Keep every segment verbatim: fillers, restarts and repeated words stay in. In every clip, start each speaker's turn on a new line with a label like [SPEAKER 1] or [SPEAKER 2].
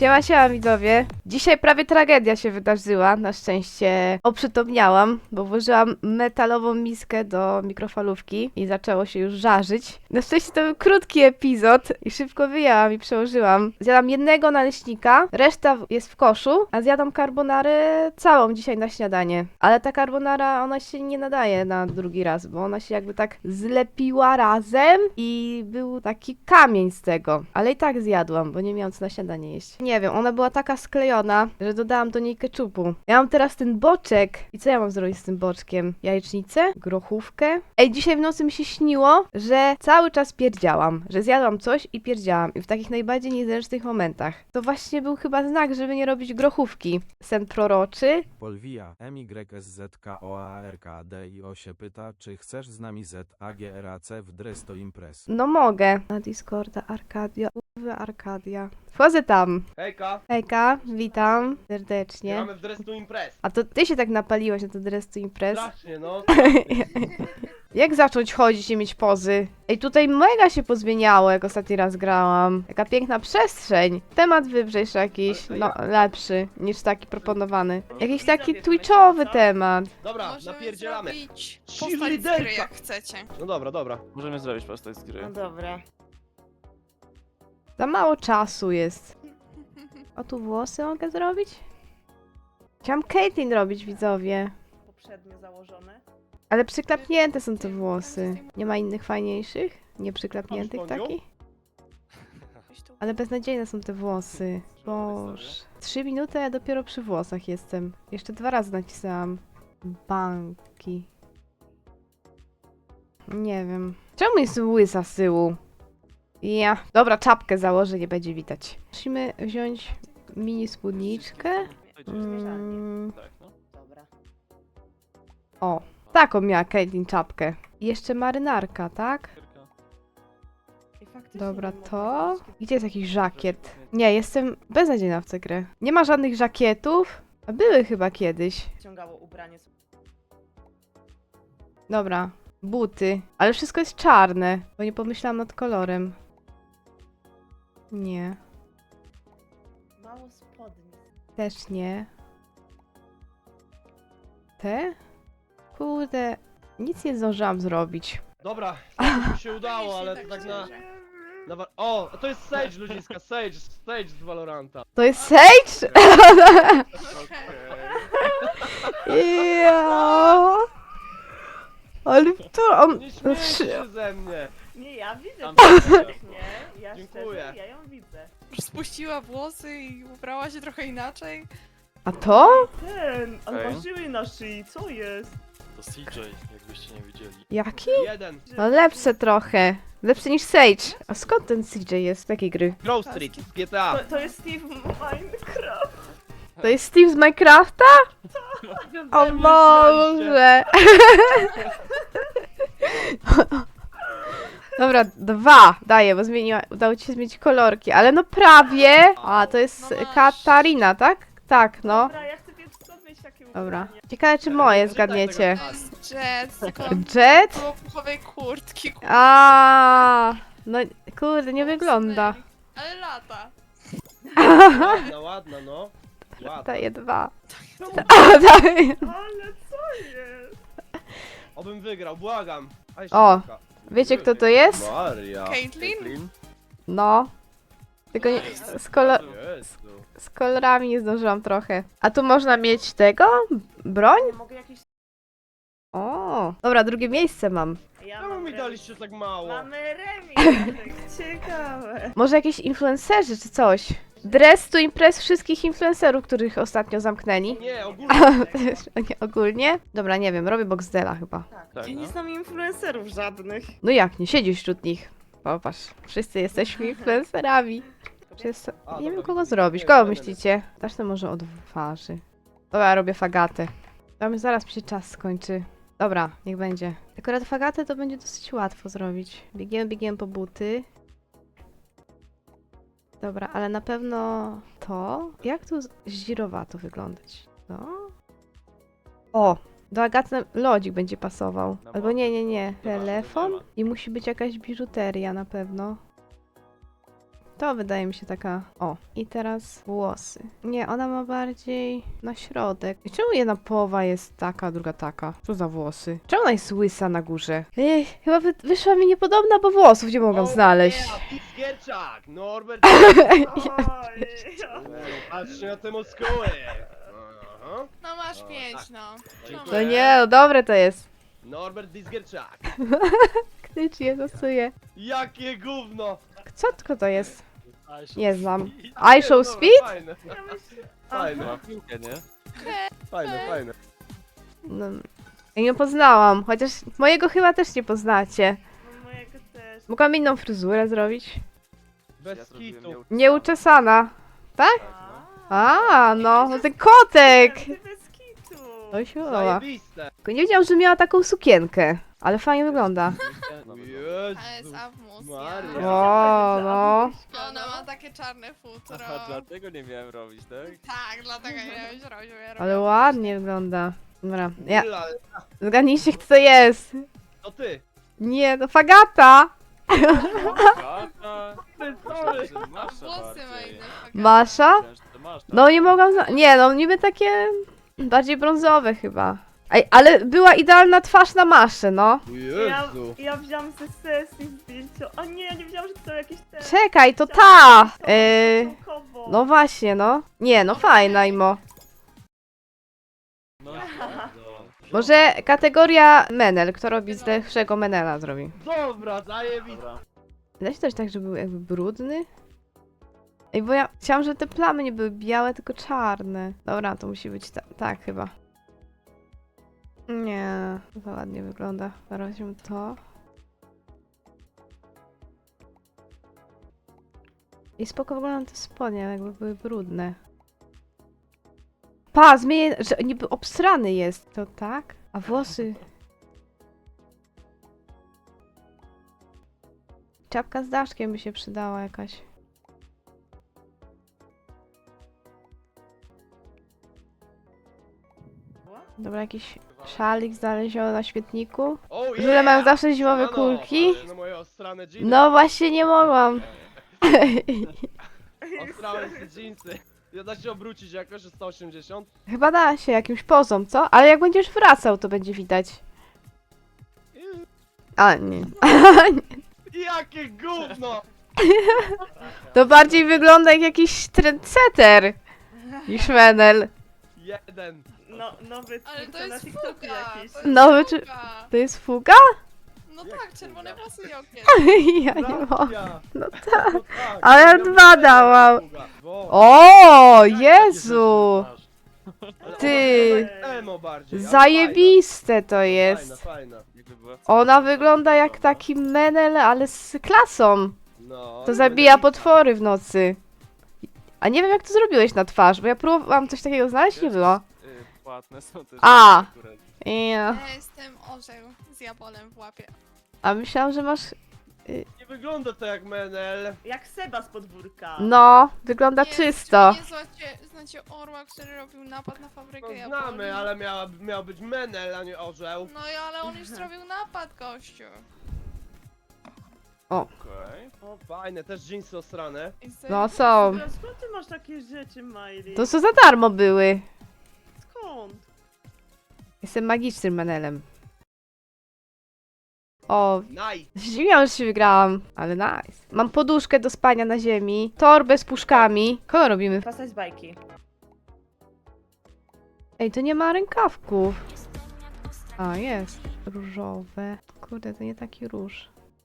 [SPEAKER 1] Siema, siema widzowie. Dzisiaj prawie tragedia się wydarzyła. Na szczęście oprzytomniałam, bo włożyłam metalową miskę do mikrofalówki i zaczęło się już żarzyć. Na szczęście to był krótki epizod i szybko wyjęłam i przełożyłam. Zjadam jednego naleśnika, reszta jest w koszu, a zjadam carbonarę całą dzisiaj na śniadanie. Ale ta carbonara, ona się nie nadaje na drugi raz, bo ona się jakby tak zlepiła razem i był taki kamień z tego. Ale i tak zjadłam, bo nie miałam co na śniadanie jeść. Nie wiem, ona była taka sklejona, że dodałam do niej keczupu. Ja mam teraz ten boczek. I co ja mam zrobić z tym boczkiem? Jajecznicę? Grochówkę? Ej, dzisiaj w nocy mi się śniło, że cały czas pierdziałam. Że zjadłam coś i pierdziałam. I w takich najbardziej niezręcznych momentach. To właśnie był chyba znak, żeby nie robić grochówki. Sen proroczy.
[SPEAKER 2] Polwija, M Y S Z K O A R K D I O się pyta, czy chcesz z nami Z A G R A C w Dresto Impress.
[SPEAKER 1] No mogę. Na Discorda Arkadia. Uwe Arkadia. Wchodzę tam.
[SPEAKER 3] Hejka,
[SPEAKER 1] Hejka, witam serdecznie.
[SPEAKER 3] mamy w Drestu Impress.
[SPEAKER 1] A to ty się tak napaliłaś na to Dress to Impress?
[SPEAKER 3] Strasznie, no.
[SPEAKER 1] Jak zacząć chodzić i mieć pozy? Ej, tutaj mega się pozmieniało, jak ostatni raz grałam. Jaka piękna przestrzeń. Temat wybrzejszy jakiś, no lepszy niż taki proponowany. Jakiś taki twitchowy temat.
[SPEAKER 3] Dobra,
[SPEAKER 4] Możemy
[SPEAKER 3] napierdzielamy.
[SPEAKER 4] zrobić
[SPEAKER 3] Cheerleaderka.
[SPEAKER 4] postać z gry, jak chcecie.
[SPEAKER 3] No dobra, dobra.
[SPEAKER 5] Możemy zrobić postać z gry.
[SPEAKER 6] No dobra.
[SPEAKER 1] Za mało czasu jest. O, tu włosy mogę zrobić? Chciałam Caitlyn robić, widzowie.
[SPEAKER 6] Poprzednio założone.
[SPEAKER 1] Ale przyklapnięte są te włosy. Nie ma innych fajniejszych? Nie przyklapniętych
[SPEAKER 3] Masz ponią?
[SPEAKER 1] takich? Ale beznadziejne są te włosy. Boże. Trzy minuty, a ja dopiero przy włosach jestem. Jeszcze dwa razy nacisnęłam. Banki. Nie wiem. Czemu jest łysa z tyłu? Ja. Dobra, czapkę założę, nie będzie widać. Musimy wziąć mini spódniczkę. Mm,
[SPEAKER 5] Tak, no.
[SPEAKER 6] Dobra.
[SPEAKER 1] o, taką miała Caitlyn czapkę. I jeszcze marynarka, tak?
[SPEAKER 6] I faktycznie
[SPEAKER 1] Dobra,
[SPEAKER 6] nie mogę
[SPEAKER 1] to...
[SPEAKER 6] zrobić.
[SPEAKER 1] Gdzie jest jakiś żakiet? Nie, jestem beznadziejna w tę grę. Nie ma żadnych żakietów. A były chyba kiedyś.
[SPEAKER 6] Ściągało ubranie.
[SPEAKER 1] Dobra, buty. Ale wszystko jest czarne, bo nie pomyślałam nad kolorem. Nie,
[SPEAKER 6] Mało spodni.
[SPEAKER 1] też nie. Te? Kurde, nic nie zdążyłam zrobić.
[SPEAKER 3] Dobra, to mi się udało, ale to tak na... na wa- o, to jest Sage, ludziska, Sage, Sage z Valoranta.
[SPEAKER 1] To jest Sage? Ja. Ale to on...
[SPEAKER 3] Nie śmiej się ze mnie.
[SPEAKER 6] Nie, ja widzę
[SPEAKER 5] Tam
[SPEAKER 6] to.
[SPEAKER 5] widzę.
[SPEAKER 6] Nie, ja
[SPEAKER 3] Dziękuję.
[SPEAKER 6] szczerze, ja ją widzę.
[SPEAKER 4] Spuściła włosy i ubrała się trochę inaczej.
[SPEAKER 1] A to?
[SPEAKER 6] Ten, on
[SPEAKER 5] Okej.
[SPEAKER 6] ma żyły na szyi, co jest?
[SPEAKER 5] To C J, jakbyście nie widzieli.
[SPEAKER 1] Jaki?
[SPEAKER 3] Jeden.
[SPEAKER 1] No lepsze trochę. Lepsze niż Sage. A skąd ten C J jest? Z jakiej gry?
[SPEAKER 3] Grove Street z G T A.
[SPEAKER 6] To, to jest Steve Minecraft.
[SPEAKER 1] To jest Steve z Minecrafta? O Boże! Dobra, dwa daję, bo zmieniła, udało ci się zmienić kolorki, ale no prawie! A, to jest
[SPEAKER 4] No masz.
[SPEAKER 1] Katarina, tak? Tak, no.
[SPEAKER 6] Dobra, ja chcę więc skąd mieć takie
[SPEAKER 1] Dobra.
[SPEAKER 6] ubranie.
[SPEAKER 1] Ciekawe, czy moje zgadniecie.
[SPEAKER 4] To jest Jet, tylko
[SPEAKER 1] Jet?
[SPEAKER 4] było puchowej kurtki. kur-
[SPEAKER 1] A, no kurde, nie wygląda.
[SPEAKER 4] Ale lata.
[SPEAKER 3] Ładna, ładna, no. Ładna.
[SPEAKER 1] Daję dwa. A, daję.
[SPEAKER 6] Ale co jest?
[SPEAKER 3] Obym wygrał, błagam. Aj,
[SPEAKER 1] O.
[SPEAKER 3] szybka.
[SPEAKER 1] Wiecie, kto to jest?
[SPEAKER 3] Maria.
[SPEAKER 4] Caitlyn?
[SPEAKER 5] Caitlyn?
[SPEAKER 1] No. Tylko nie, z, kolor,
[SPEAKER 3] Jezu.
[SPEAKER 1] z kolorami nie zdążyłam trochę. A tu można mieć tego? Broń?
[SPEAKER 6] Nie mogę jakieś...
[SPEAKER 1] O, dobra, drugie miejsce mam.
[SPEAKER 6] Ja
[SPEAKER 3] Czemu
[SPEAKER 6] mam
[SPEAKER 3] mi
[SPEAKER 6] remis.
[SPEAKER 3] daliście tak mało?
[SPEAKER 6] Mamy remis. Ciekawe.
[SPEAKER 1] Może jakieś influencerzy czy coś? Dress to Impress wszystkich influencerów, których ostatnio zamknęli.
[SPEAKER 3] Nie, ogólnie.
[SPEAKER 1] Nie, ogólnie? Dobra, nie wiem, robię Boxdela chyba.
[SPEAKER 5] Tak,
[SPEAKER 6] Ja
[SPEAKER 5] no.
[SPEAKER 6] nie znam influencerów żadnych.
[SPEAKER 1] No jak, nie siedzisz wśród nich. Popatrz, wszyscy jesteśmy influencerami. Czy jest...
[SPEAKER 3] A,
[SPEAKER 1] Nie wiem
[SPEAKER 3] dobra,
[SPEAKER 1] kogo
[SPEAKER 3] widzę.
[SPEAKER 1] zrobić,
[SPEAKER 3] Nie,
[SPEAKER 1] kogo
[SPEAKER 3] nie, nie.
[SPEAKER 1] myślicie? Zacznę może od waży. Dobra, ja robię fagatę. Tam zaraz mi się czas skończy. Dobra, niech będzie. Akurat fagatę to będzie dosyć łatwo zrobić. Biegiem, biegiem po buty. Dobra, ale na pewno to... Jak tu z- zdzirowato wyglądać? No. O! Do Agaty lodzik będzie pasował.
[SPEAKER 5] No
[SPEAKER 1] Albo
[SPEAKER 5] bo-
[SPEAKER 1] nie, nie, nie.
[SPEAKER 5] Dobra,
[SPEAKER 1] Telefon
[SPEAKER 5] nie ma.
[SPEAKER 1] i musi być jakaś biżuteria na pewno. To wydaje mi się taka... O, i teraz włosy. Nie, ona ma bardziej na środek. I czemu jedna połowa jest taka, a druga taka? Co za włosy? Czemu ona jest łysa na górze? Ej, chyba wy wyszła mi niepodobna, bo włosów nie mogłam znaleźć.
[SPEAKER 3] Yeah, Gierczak, Norbert.
[SPEAKER 6] Oj,
[SPEAKER 3] Patrzcie na te muskuły. Aha.
[SPEAKER 4] No masz
[SPEAKER 3] O,
[SPEAKER 4] pięć,
[SPEAKER 3] tak.
[SPEAKER 4] no.
[SPEAKER 3] Dziękuję.
[SPEAKER 1] To nie, no dobre to jest.
[SPEAKER 3] Norbert Disgierczak.
[SPEAKER 1] Knycz je, zasuje.
[SPEAKER 3] Jakie gówno.
[SPEAKER 1] Co tylko to jest?
[SPEAKER 5] Aś,
[SPEAKER 1] Nie znam.
[SPEAKER 3] Nie,
[SPEAKER 1] I show
[SPEAKER 3] dobra,
[SPEAKER 1] speed?
[SPEAKER 3] Fajne,
[SPEAKER 6] ja myślę...
[SPEAKER 3] fajne,
[SPEAKER 5] Ma piłkę, nie?
[SPEAKER 3] fajne, fajne.
[SPEAKER 1] No, ja nie poznałam, chociaż mojego chyba też nie poznacie.
[SPEAKER 6] No mojego też.
[SPEAKER 1] Mogłam inną fryzurę zrobić.
[SPEAKER 3] Bez
[SPEAKER 5] Ja zrobiłem
[SPEAKER 3] kitu.
[SPEAKER 5] nieuczesane.
[SPEAKER 1] Nieuczesana. Tak?
[SPEAKER 6] A,
[SPEAKER 1] A, no, no ten kotek!
[SPEAKER 6] Ty bez kitu.
[SPEAKER 1] Oj, siła.
[SPEAKER 3] Zajebiste.
[SPEAKER 1] Tylko nie wiedziałam, że miała taką sukienkę. Ale fajnie wygląda.
[SPEAKER 5] No, no,
[SPEAKER 4] To jest
[SPEAKER 3] Jezu.
[SPEAKER 4] Awmus,
[SPEAKER 3] Maria.
[SPEAKER 4] ja.
[SPEAKER 1] O, no.
[SPEAKER 4] Ona ma takie czarne futro.
[SPEAKER 5] Aha, dlatego nie miałem robić, tak?
[SPEAKER 4] Tak, dlatego nie wiem, że robię.
[SPEAKER 1] Ale ładnie wygląda. Dobra, ja...
[SPEAKER 3] Ula,
[SPEAKER 1] Zgadnijcie, kto to jest.
[SPEAKER 3] To ty.
[SPEAKER 1] Nie, to Fagata.
[SPEAKER 5] Gata!
[SPEAKER 3] Ty, sorry.
[SPEAKER 5] Myślałem, że Masza
[SPEAKER 4] Włosy ma
[SPEAKER 5] bardziej.
[SPEAKER 4] inne.
[SPEAKER 1] Masza?
[SPEAKER 5] Myślałem, że to masz, tak?
[SPEAKER 1] No nie mogłam zna... Nie, no niby takie... Bardziej brązowe chyba. Ej, ale była idealna twarz na maszę, no.
[SPEAKER 6] Ja,
[SPEAKER 3] Jezu.
[SPEAKER 6] ja wziąłam ze sesji zdjęcia. O nie, ja nie wiedziałam, że to są jakieś te...
[SPEAKER 1] Czekaj, to ta! Yy...
[SPEAKER 6] Całkowo.
[SPEAKER 1] No właśnie, no. Nie, no fajna imo.
[SPEAKER 5] No, no.
[SPEAKER 1] Może kategoria Menel. Kto robi z lepszego Menela zrobi.
[SPEAKER 3] Dobra, zajebiste.
[SPEAKER 5] Dobra.
[SPEAKER 1] Da się też tak, żeby był jakby brudny? Ej, bo ja chciałam, żeby te plamy nie były białe, tylko czarne. Dobra, to musi być ta tak chyba. Nie, to ładnie wygląda. Zaraz weźmy to. I spoko wyglądają te spodnie, jakby były brudne. Pa, zmienię, że niby obsrany jest. To tak? A włosy... Czapka z daszkiem by się przydała jakaś. Dobra, jakiś szalik znaleziony na śmietniku.
[SPEAKER 3] Oh, yeah.
[SPEAKER 1] Żule mają zawsze zimowe
[SPEAKER 3] Ano,
[SPEAKER 1] kulki.
[SPEAKER 3] patrz na moje ostrane dżinsy.
[SPEAKER 1] No właśnie nie mogłam.
[SPEAKER 3] Ostrałem te dżinsy. Ja da się obrócić jakoś, że sto osiemdziesiąt?
[SPEAKER 1] Chyba da się jakimś pozom, co? Ale jak będziesz wracał, to będzie widać. A, nie.
[SPEAKER 3] Jakie gówno!
[SPEAKER 1] To bardziej wygląda jak jakiś trendsetter niż Menel.
[SPEAKER 3] Jeden.
[SPEAKER 6] No, nowy
[SPEAKER 4] Ale to
[SPEAKER 6] twórca na
[SPEAKER 4] jest
[SPEAKER 6] TikToku
[SPEAKER 4] fuga.
[SPEAKER 6] jakiś.
[SPEAKER 4] To jest
[SPEAKER 1] Nowy czy-
[SPEAKER 4] fuga.
[SPEAKER 1] To jest fuga?
[SPEAKER 4] No
[SPEAKER 3] Jak
[SPEAKER 4] tak,
[SPEAKER 3] fuga?
[SPEAKER 4] czerwone włosy i okien.
[SPEAKER 1] Ja nie mogę.
[SPEAKER 3] Racja.
[SPEAKER 1] No
[SPEAKER 3] No tak.
[SPEAKER 1] Ale ja
[SPEAKER 3] miał
[SPEAKER 1] dwa
[SPEAKER 3] być
[SPEAKER 1] dałam.
[SPEAKER 3] fuga. Bo-
[SPEAKER 1] O,
[SPEAKER 3] Jak takie
[SPEAKER 1] Jezu!
[SPEAKER 5] Masz.
[SPEAKER 3] Ale
[SPEAKER 1] Ty.
[SPEAKER 3] ona tak emo bardziej. ale
[SPEAKER 1] Zajebiste to
[SPEAKER 3] Fajna,
[SPEAKER 1] jest.
[SPEAKER 3] fajna.
[SPEAKER 5] Jakby była
[SPEAKER 1] Ona wygląda jak taki Menel, ale z klasą.
[SPEAKER 3] No.
[SPEAKER 1] To zabija potwory w nocy. A nie wiem jak to zrobiłeś na twarz, bo ja próbowałam coś takiego znaleźć, nie było.
[SPEAKER 5] Y, Płatne są też.
[SPEAKER 1] A.
[SPEAKER 5] akurat.
[SPEAKER 1] Ja.
[SPEAKER 4] Ja jestem orzeł z jabolem w łapie.
[SPEAKER 1] A myślałam, że masz...
[SPEAKER 3] Nie wygląda to jak Menel.
[SPEAKER 6] Jak Seba z podwórka.
[SPEAKER 1] No, wygląda
[SPEAKER 4] Nie,
[SPEAKER 1] czysto.
[SPEAKER 4] czy Nie znacie, znacie orła, który robił napad na fabrykę
[SPEAKER 3] No
[SPEAKER 4] jabłoni?
[SPEAKER 3] znamy, ale miała, miał być Menel, a nie orzeł.
[SPEAKER 4] No i ale on już zrobił napad, gościu.
[SPEAKER 5] Okej.
[SPEAKER 3] O, fajne, też dżinsy osrane.
[SPEAKER 4] I z-
[SPEAKER 1] No są.
[SPEAKER 6] Dobra, skąd ty masz takie rzeczy, Miley?
[SPEAKER 1] To co za darmo były.
[SPEAKER 6] Skąd?
[SPEAKER 1] Jestem magicznym Menelem. O,
[SPEAKER 3] Nice.
[SPEAKER 1] zdziwiłam, że się wygrałam, ale nice. Mam poduszkę do spania na ziemi, torbę z puszkami. Kogo robimy?
[SPEAKER 6] Pasać z bajki.
[SPEAKER 1] Ej, to nie ma rękawków. A, jest. Różowe. Kurde, to nie taki róż.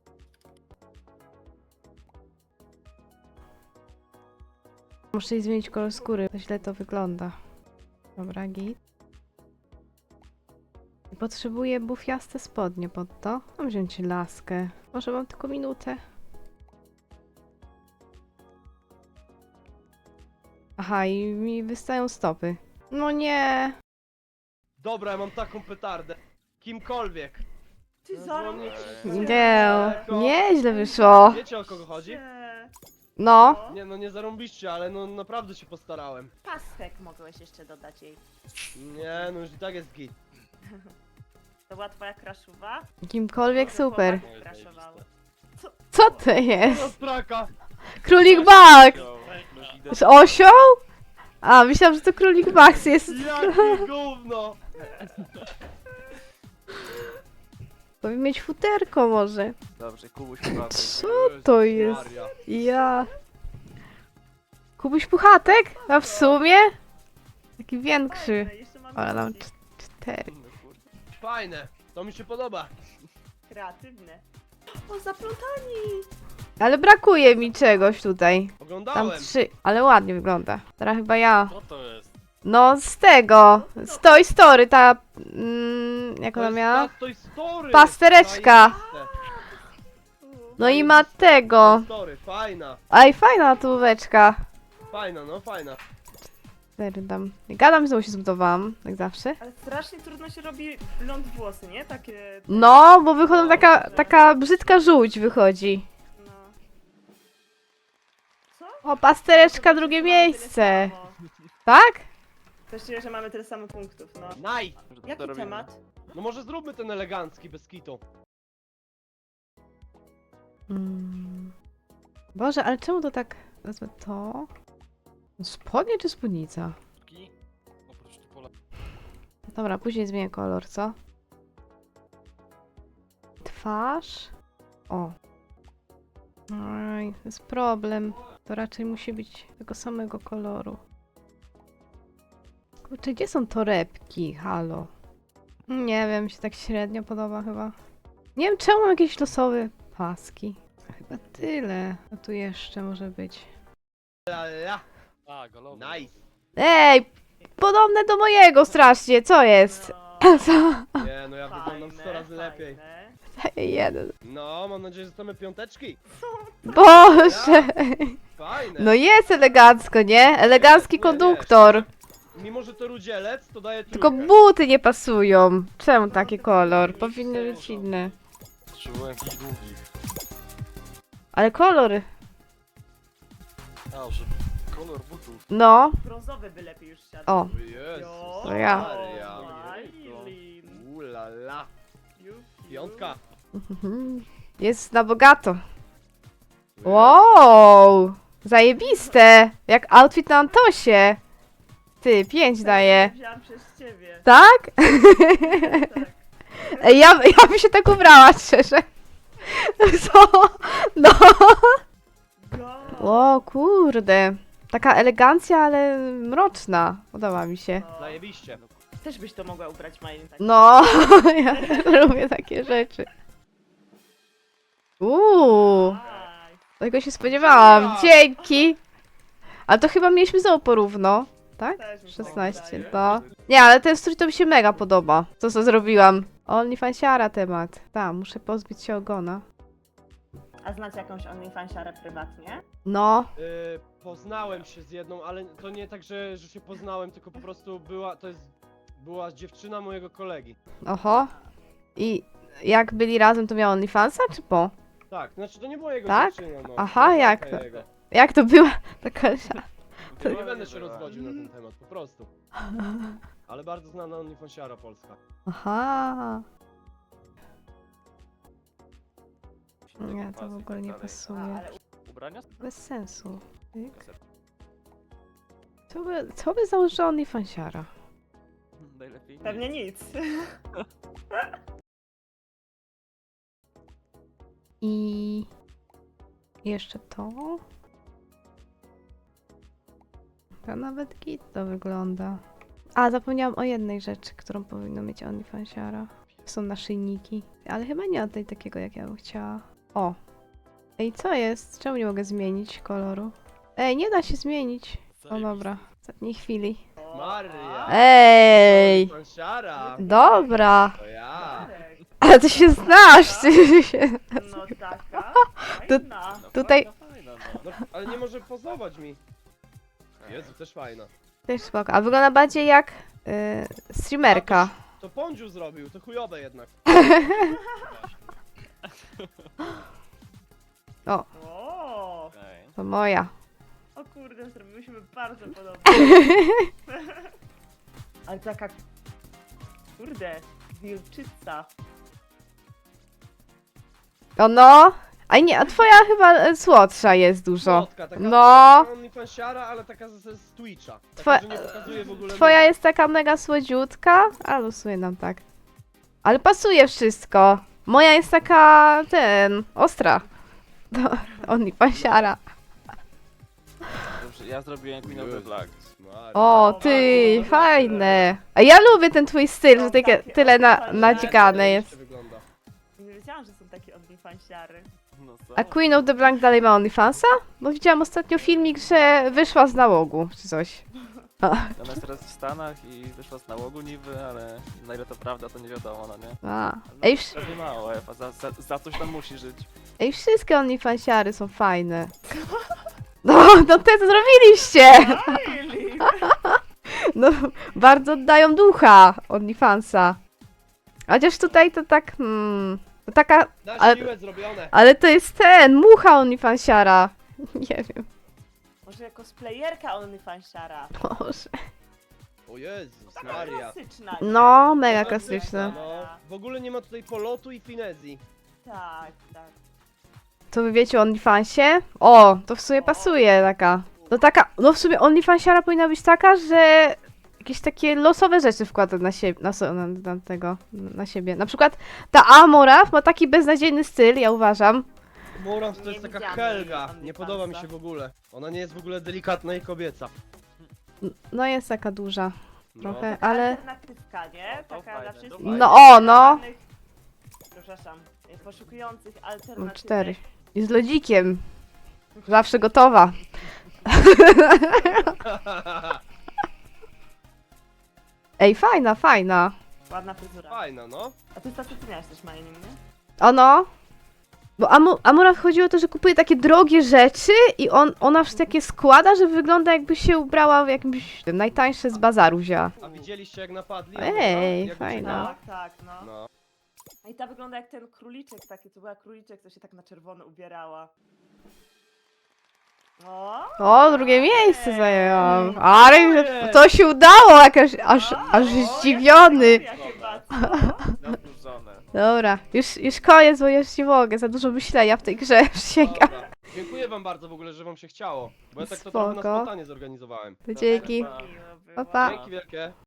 [SPEAKER 1] Muszę jej zmienić kolor skóry, to źle to wygląda. Dobra, git. Potrzebuję bufiaste spodnie pod to. Mam wziąć laskę. Może mam tylko minutę. Aha, i mi wystają stopy. No nie.
[SPEAKER 3] Dobra, ja mam taką petardę. Kimkolwiek.
[SPEAKER 6] Ty
[SPEAKER 3] No,
[SPEAKER 6] zaraz...
[SPEAKER 3] dzwonię.
[SPEAKER 1] Nie, nieźle wyszło.
[SPEAKER 3] Wiecie o kogo chodzi?
[SPEAKER 6] Nie.
[SPEAKER 1] No.
[SPEAKER 3] Nie no, nie zarąbiście, ale no naprawdę się postarałem.
[SPEAKER 6] Pasek mogłeś jeszcze dodać jej.
[SPEAKER 3] Nie, no już i tak jest git.
[SPEAKER 6] To była twoja kraszuwa?
[SPEAKER 1] Kimkolwiek super.
[SPEAKER 6] Kraszowały.
[SPEAKER 1] Co to jest?
[SPEAKER 3] No straka!
[SPEAKER 1] Królik Max!
[SPEAKER 5] No, no widać.
[SPEAKER 1] Z osioł? A, myślałam, że to Królik Max jest.
[SPEAKER 3] Jakie gówno!
[SPEAKER 1] Powinien mieć futerko może.
[SPEAKER 5] Dobrze, Kubuś chyba.
[SPEAKER 1] Co to jest?
[SPEAKER 3] Maria.
[SPEAKER 1] Ja. Kubuś Puchatek? A w sumie? Taki większy.
[SPEAKER 6] Fajne, jeszcze mamy
[SPEAKER 1] Ale mam
[SPEAKER 6] opcje.
[SPEAKER 1] cz- cztery.
[SPEAKER 5] No kurde.
[SPEAKER 3] Fajne, to mi się podoba.
[SPEAKER 6] Kreatywne. O, zaplątani!
[SPEAKER 1] Ale brakuje mi czegoś tutaj. Tam
[SPEAKER 3] Oglądałem.
[SPEAKER 1] trzy, ale ładnie wygląda. Teraz chyba ja.
[SPEAKER 5] Co to jest?
[SPEAKER 1] No z tego. Z Toy Story, ta... Mm, jak
[SPEAKER 3] To
[SPEAKER 1] ona
[SPEAKER 3] jest
[SPEAKER 1] miała?
[SPEAKER 3] ta Toy Story.
[SPEAKER 1] Pastereczka.
[SPEAKER 3] Zajebiste.
[SPEAKER 1] No i ma tego.
[SPEAKER 3] Toy Story, fajna.
[SPEAKER 1] Aj, fajna tułóweczka.
[SPEAKER 3] Fajna, no fajna.
[SPEAKER 1] Cztery dam. Gadam, znowu się zbudowałam, jak zawsze.
[SPEAKER 6] Ale strasznie trudno się robi blond włosy, nie? Takie...
[SPEAKER 1] No, bo wychodzą taka, taka brzydka żółć wychodzi.
[SPEAKER 6] No. Co?
[SPEAKER 1] O, pastereczka,
[SPEAKER 6] Mamy
[SPEAKER 1] drugie
[SPEAKER 6] tyle
[SPEAKER 1] miejsce.
[SPEAKER 6] samo.
[SPEAKER 1] Tak?
[SPEAKER 6] Też czuję, że mamy tyle samo punktów, no.
[SPEAKER 3] Nice.
[SPEAKER 5] Że to
[SPEAKER 6] Jaki
[SPEAKER 5] robimy.
[SPEAKER 6] temat?
[SPEAKER 3] No może zróbmy ten elegancki, bez kitu.
[SPEAKER 1] Mm. Boże, ale czemu to tak... Wezmę to... Spodnie czy spódnica?
[SPEAKER 5] Ki? Oprócz tu pola.
[SPEAKER 1] Dobra, później zmienię kolor, co? Twarz. O. Oj, to jest problem. To raczej musi być tego samego koloru. Kurczę, gdzie są torebki? Halo. Nie wiem, mi się tak średnio podoba chyba. Nie wiem, czemu mam jakieś losowe paski. Chyba tyle. A tu jeszcze może być.
[SPEAKER 3] La, la.
[SPEAKER 5] A, golowy.
[SPEAKER 3] Nice.
[SPEAKER 1] Ej! Podobne do mojego strasznie, co jest?
[SPEAKER 6] No,
[SPEAKER 1] Co?
[SPEAKER 3] Nie, no ja wyglądam sto razy lepiej.
[SPEAKER 6] fajne.
[SPEAKER 1] Daję jeden.
[SPEAKER 3] No, mam nadzieję, że dostamy piąteczki.
[SPEAKER 1] Boże!
[SPEAKER 3] Fajne.
[SPEAKER 1] No jest elegancko, nie? Elegancki
[SPEAKER 3] Nie, nie,
[SPEAKER 1] konduktor.
[SPEAKER 3] Mimo, że to rudzielec, to daje
[SPEAKER 1] Tylko
[SPEAKER 3] trójkę.
[SPEAKER 1] buty nie pasują. Czemu taki kolor? Powinny być inne.
[SPEAKER 5] Potrzebuję jakichś długich.
[SPEAKER 1] Ale kolory.
[SPEAKER 5] A, że kolor butów.
[SPEAKER 1] No.
[SPEAKER 6] Brązowy by lepiej już siadł.
[SPEAKER 1] O.
[SPEAKER 3] Jezus
[SPEAKER 1] To ja.
[SPEAKER 3] Maria.
[SPEAKER 6] Marilyn.
[SPEAKER 3] Ulala.
[SPEAKER 6] Piu, piu.
[SPEAKER 3] Piątka.
[SPEAKER 1] Jest na bogato. Wow! Zajebiste! Jak outfit na Antosie. Ty, pięć daje.
[SPEAKER 6] Wziąłam przez ciebie.
[SPEAKER 1] Tak?
[SPEAKER 6] Tak.
[SPEAKER 1] Ej, ja, ja bym się tak ubrała, szczerze. Co? No.
[SPEAKER 6] Go.
[SPEAKER 1] O kurde. Taka elegancja, ale mroczna. Podoba mi się.
[SPEAKER 6] No.
[SPEAKER 3] Zajebiście.
[SPEAKER 6] Też byś to mogła ubrać, Marilyn. Tak.
[SPEAKER 1] No, ja lubię takie rzeczy. Uuu,
[SPEAKER 6] Aj.
[SPEAKER 1] tego się spodziewałam. Dzięki. Ale to chyba mieliśmy znowu porówno, tak?
[SPEAKER 6] Też mi się
[SPEAKER 1] szesnaście,
[SPEAKER 6] wydaje.
[SPEAKER 1] no. Nie, ale ten strój to mi się mega podoba. To, co zrobiłam. OnlyFansiara temat. Tak, muszę pozbyć się ogona.
[SPEAKER 6] A znacie jakąś OnlyFansiarę prywatnie?
[SPEAKER 1] No,
[SPEAKER 3] Y, poznałem się z jedną, ale to nie tak, że, że się poznałem, tylko po prostu była, to jest, była dziewczyna mojego kolegi.
[SPEAKER 1] oho. I jak byli razem, to miał OnlyFansa, czy po?
[SPEAKER 3] Tak, znaczy to nie była jego
[SPEAKER 1] Tak?
[SPEAKER 3] dziewczyna, no.
[SPEAKER 1] Aha,
[SPEAKER 3] Była
[SPEAKER 1] jak
[SPEAKER 3] taka
[SPEAKER 1] to?
[SPEAKER 3] jego.
[SPEAKER 1] Jak to była taka...
[SPEAKER 3] To nie będę się rozwodził na ten temat, po prostu. Ale bardzo znana OnlyFansiara polska.
[SPEAKER 1] Aha. Nie, to w ogóle nie
[SPEAKER 6] A,
[SPEAKER 1] pasuje.
[SPEAKER 6] ale
[SPEAKER 5] Ubrania?
[SPEAKER 1] Bez sensu. Tyk. Co by, co by założyła OnlyFansiara?
[SPEAKER 5] Najlepiej.
[SPEAKER 6] pewnie nic.
[SPEAKER 1] I jeszcze to. To nawet git to wygląda. A, zapomniałam o jednej rzeczy, którą powinno mieć OnlyFansiara. Są naszyjniki. Ale chyba nie o tej takiego, jak ja bym chciała. O! Ej, co jest? Czemu nie mogę zmienić koloru? Ej, nie da się zmienić. O dobra, w ostatniej chwili.
[SPEAKER 3] Maria!
[SPEAKER 1] Ej!
[SPEAKER 3] OnlyFansiara!
[SPEAKER 1] Dobra!
[SPEAKER 3] To ja!
[SPEAKER 6] Marek.
[SPEAKER 1] Ale ty się znasz! Ty się...
[SPEAKER 6] No taka.
[SPEAKER 1] To-
[SPEAKER 6] Fajna.
[SPEAKER 5] No,
[SPEAKER 1] Tutaj-
[SPEAKER 5] Fajna, fajna, no.
[SPEAKER 3] No, ale nie może pozować mi. Jezu, też fajna.
[SPEAKER 1] Też spoko. A wygląda bardziej jak yy, streamerka.
[SPEAKER 3] To Pądziu zrobił, to chujowe jednak.
[SPEAKER 6] O,
[SPEAKER 5] Okej.
[SPEAKER 1] To moja.
[SPEAKER 6] o kurde, zrobiłyśmy bardzo podobnie. Ale taka... Kurde, wilczyca.
[SPEAKER 1] O no! A nie, a twoja chyba e, słodsza jest dużo.
[SPEAKER 3] Słodka, taka
[SPEAKER 1] No.
[SPEAKER 3] OnlyFansiara, ale taka z, z Twitcha. Taka,
[SPEAKER 1] Twoja-
[SPEAKER 3] że nie pokazuje w ogóle
[SPEAKER 1] Twoja
[SPEAKER 3] nóg.
[SPEAKER 1] jest taka mega słodziutka, a losuje nam tak. Ale pasuje wszystko. Moja jest taka, ten, ostra. No, OnlyFansiara.
[SPEAKER 5] Dobrze, ja zrobiłem Queen of the Black.
[SPEAKER 3] Maria.
[SPEAKER 1] O, ty, fajne. A ja lubię ten twój styl, że takie, tyle na, nadźgane jest.
[SPEAKER 3] Zajebiście wygląda.
[SPEAKER 6] Nie wiedziałam, że są takie OnlyFansiary.
[SPEAKER 5] No co?
[SPEAKER 1] A Queen of the Blank dalej ma OnlyFansa? Bo widziałam ostatnio filmik, że wyszła z nałogu, czy coś.
[SPEAKER 5] Ona jest teraz w Stanach i wyszła z nałogu niby, ale na ile to prawda, to nie wiadomo, no nie?
[SPEAKER 1] A.
[SPEAKER 5] No,
[SPEAKER 1] Ej, wsz-
[SPEAKER 5] pewnie mało, Ewa, za, za, za coś tam musi żyć.
[SPEAKER 1] ej, wszystkie OnlyFansiary są fajne. No, no te co zrobiliście!
[SPEAKER 6] Really?
[SPEAKER 1] No, bardzo oddają ducha OnlyFansa. Chociaż tutaj to tak, hmm, to taka,
[SPEAKER 3] Na
[SPEAKER 1] Ale-
[SPEAKER 3] siłę zrobione.
[SPEAKER 1] ale to jest ten, mucha OnlyFansiara. Nie wiem,
[SPEAKER 6] Może jako splayerka OnlyFansiara.
[SPEAKER 1] może.
[SPEAKER 3] O Jezus
[SPEAKER 6] Taka
[SPEAKER 3] Maria.
[SPEAKER 6] klasyczna. nie?
[SPEAKER 1] No, mega
[SPEAKER 3] Taka
[SPEAKER 1] klasyczne.
[SPEAKER 3] No, w ogóle nie ma tutaj polotu i finezji.
[SPEAKER 6] Tak, tak.
[SPEAKER 1] To wy wiecie o OnlyFansie? O, to w sumie pasuje taka. No taka, no w sumie OnlyFansiara powinna być taka, że jakieś takie losowe rzeczy wkłada na siebie, na, so- na, na tego, na siebie. Na przykład ta Amoraf ma taki beznadziejny styl, ja uważam.
[SPEAKER 3] Morans to
[SPEAKER 6] Nie
[SPEAKER 3] jest taka
[SPEAKER 6] widziałam
[SPEAKER 3] Helga.
[SPEAKER 6] jej
[SPEAKER 3] Nie
[SPEAKER 6] OnlyFansa.
[SPEAKER 3] podoba mi się w ogóle. Ona nie jest w ogóle delikatna i kobieca.
[SPEAKER 1] No jest taka duża
[SPEAKER 3] No.
[SPEAKER 1] trochę,
[SPEAKER 6] Taka
[SPEAKER 1] ale...
[SPEAKER 6] alternatywka, nie?
[SPEAKER 5] No, to
[SPEAKER 6] Taka
[SPEAKER 5] fajne,
[SPEAKER 6] dla
[SPEAKER 5] to
[SPEAKER 6] wszystkich.
[SPEAKER 5] fajne.
[SPEAKER 1] No o, no!
[SPEAKER 6] Przepraszam, e, poszukujących
[SPEAKER 1] No
[SPEAKER 6] alternatywek.
[SPEAKER 1] cztery. I z lodzikiem. Zawsze gotowa. Ej, fajna, fajna.
[SPEAKER 6] Ładna fryzura.
[SPEAKER 3] Fajna, no.
[SPEAKER 6] A ty Stasiu, ty miałeś też mining, nie?
[SPEAKER 1] Ono. Bo Amu, Amura chodziło o to, że kupuje takie drogie rzeczy i on, ona wszystkie takie składa, że wygląda jakby się ubrała w jakimś tym, najtańsze z bazaru wzięła.
[SPEAKER 3] A widzieliście jak napadli?
[SPEAKER 1] Ej,
[SPEAKER 3] Jak
[SPEAKER 1] fajna.
[SPEAKER 3] uciekała?
[SPEAKER 6] Tak, tak, no.
[SPEAKER 3] No.
[SPEAKER 6] I ta wygląda jak ten króliczek taki, to była króliczek, co się tak na czerwono ubierała. O!
[SPEAKER 1] O, drugie miejsce zajęłam. Ale to się udało, jakaś, aż, aż zdziwiony.
[SPEAKER 6] Ja chyba, co?
[SPEAKER 5] Nadłużone.
[SPEAKER 1] Dobra, już, już koniec, bo już nie mogę, za dużo myślenia w tej grze, przysięgam.
[SPEAKER 3] Dobra. Dziękuję wam bardzo w ogóle, że wam się chciało. Bo ja tak to
[SPEAKER 1] Spoko.
[SPEAKER 3] trochę na spontanie zorganizowałem.
[SPEAKER 1] Dzięki.
[SPEAKER 6] Miło było.
[SPEAKER 1] Pa, pa.
[SPEAKER 3] Dzięki wielkie.